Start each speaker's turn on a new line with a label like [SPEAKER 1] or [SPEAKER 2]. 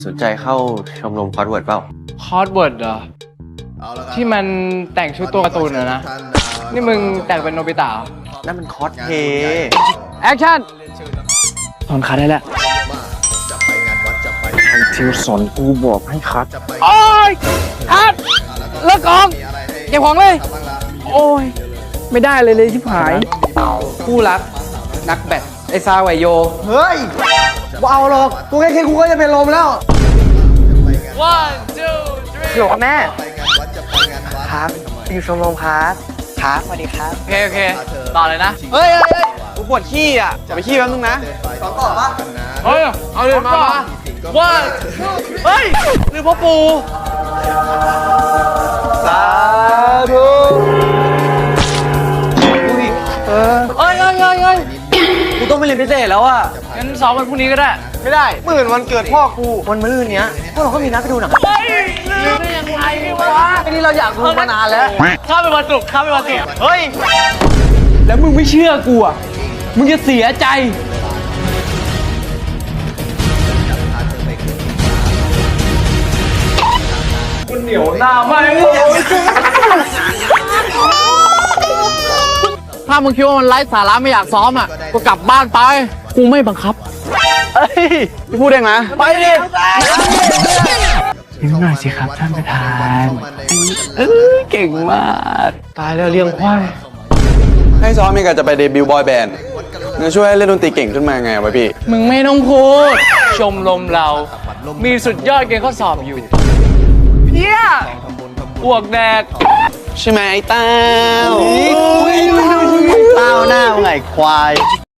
[SPEAKER 1] สนใจเข้าชมรมคอร์สเวิร์ดเปล่า
[SPEAKER 2] คอร์สเวิร์ดเหรอที่มันแต่งชุดตัวการ์ตูนเหรอนะนี่มึงแต่งเป็นโนบิตะ
[SPEAKER 1] นั่นมันคอสเพย์
[SPEAKER 2] แอคชั่นถอนขาได้แล้ว
[SPEAKER 1] ทิวสอนกูบอกให้คัด
[SPEAKER 2] โอ้ยคัดเลิกกองเก็บของเลยโอ้ยไม่ได้เลยที่ผายคู่รักนักแบดไอซาไวโย
[SPEAKER 3] เฮ้ยว่าเอาหรอกกูแค่กูก็จะเป็นลมแล้ว
[SPEAKER 2] one two three
[SPEAKER 1] หยกแม่ครับอยู่ชมรมครับครับสวัสดีครับ
[SPEAKER 2] โอเคต่อเลยนะ
[SPEAKER 1] เฮ้ยกูปวดขี้อ่ะจะไปขี้แป๊บนึงนะ
[SPEAKER 3] สองต่อปะ
[SPEAKER 2] เฮ้ยเอาเลยมาว่าเฮ้ยหรือพ่อปู่
[SPEAKER 1] สาธุ
[SPEAKER 2] เฮ้ย
[SPEAKER 1] กูต้องไปเรียนพิเศษแล้วอ่ะ
[SPEAKER 2] งั้นซ้อมวันพรุ่งนี้ก็ได้
[SPEAKER 1] ไม่ได้มื่นวันเกิดพ่อกูวันมะรืนเนี้ยพวกเราก็มีนัดไปดูหนัง
[SPEAKER 2] เฮ้ยลืมได้ยังไงวะ
[SPEAKER 1] ไอ้นี่เราอยากดูมานานแล้ว
[SPEAKER 2] ข้าเป็นวันศุกร์เฮ้ยแล้วมึงไม่เชื่อกูอ่ะมึงจะเสียใจคุณเหนียวหน้าไหมถ้ามึงคิดว่ามันไร้สาระไม่อยากซ้อมอ่ะก็กลับบ้านไปกูไม่บังคับ
[SPEAKER 1] เฮ้ยพี่พูดเองนะ
[SPEAKER 2] ไปดิ
[SPEAKER 1] นิดหน่อยสิครับท่านประธานเก่งมากตายแล้วเลี้ยงควาย
[SPEAKER 4] ให้ซ้อมมีกันจะไปเดบิวต์บอยแบนด์จะช่วยให้เล่นดนตรีเก่งขึ้นมาไงวะพี่
[SPEAKER 2] มึงไม่ต้องพูดชมรมเรามีสุดยอดเกณฑ์ข้อสอบอยู่เพี้ยอ้วกแดก
[SPEAKER 4] ใช่ไหมไอ้เต้า
[SPEAKER 1] เต้าหน้าไงควาย